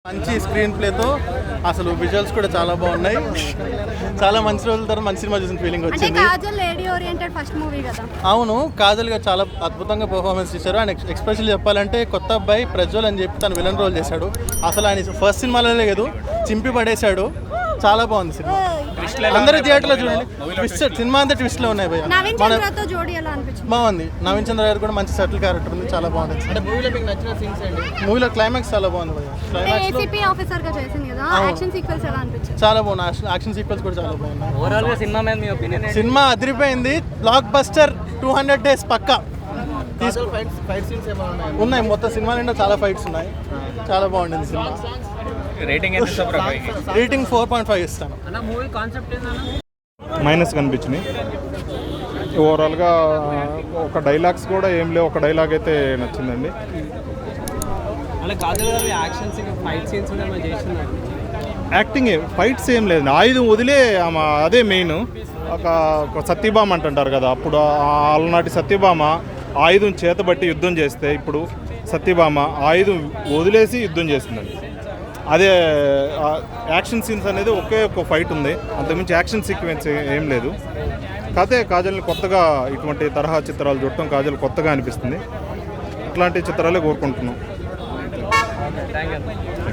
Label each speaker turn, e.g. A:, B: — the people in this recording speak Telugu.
A: మంచి స్క్రీన్ ప్లేతో అసలు విజువల్స్ కూడా చాలా బాగున్నాయి. చాలా మంచి రోజుల తర్వాత మంచి సినిమా చూసిన ఫీలింగ్ వచ్చింది. అవును, కాజల్ గారు చాలా అద్భుతంగా పర్ఫార్మెన్స్ చేశారు. ఆయన ఎక్స్ప్రెషన్ చెప్పాలంటే కొత్త అబ్బాయి ప్రజ్వల్ అని చెప్పి తను విలన్ రోల్ చేశాడు. అసలు ఆయన ఫస్ట్ సినిమాలో లేదు, చింపి పడేశాడు. చాలా బాగుంది సినిమా. అందరూ థియేటర్లో చూడండి. ట్విస్ట్ సినిమా అంతా ట్విస్ట్లో ఉన్నాయి భయ్య. బాగుంది. నవీన్ చంద్ర గారు కూడా మంచి సెటిల్ క్యారెక్టర్ ఉంది, చాలా బాగుంది. మూవీలో క్లైమాక్స్ చాలా బాగుంది భయ్య. చాలా బాగుంది. యాక్షన్ సీక్వెన్స్ కూడా చాలా బాగుంది. సినిమా అదిరిపోయింది. Block buster. 200 days పక్కా ఉన్నాయి. మొత్తం సినిమా నిండా చాలా ఫైట్స్ ఉన్నాయి. చాలా బాగుంటుంది సినిమా. రేటింగ్ 4.5 ఇస్తాను.
B: మైనస్ కనిపించినాయి. ఓవరాల్గా ఒక డైలాగ్స్ కూడా ఏం లేవు. ఒక డైలాగ్ అయితే నచ్చిందండి. యాక్టింగ్ ఫైట్స్ ఏం లేదు. ఆయుధం వదిలే అదే మెయిన్. ఒక సత్యభామ అంటుంటారు కదా, అప్పుడు ఆలనాటి సత్యభామ ఆయుధం చేతబట్టి యుద్ధం చేస్తే ఇప్పుడు సత్యభామ ఆయుధం వదిలేసి యుద్ధం చేస్తుందండి. అదే యాక్షన్ సీన్స్ అనేది ఒకే ఒక ఫైట్ ఉంది, అంతకుమించి యాక్షన్ సీక్వెన్స్ ఏం లేదు. కాకపోతే కాజల్ని కొత్తగా ఇటువంటి తరహా చిత్రాలు చూడటం కాజల్ కొత్తగా అనిపిస్తుంది. ఇట్లాంటి చిత్రాలే కోరుకుంటున్నాం.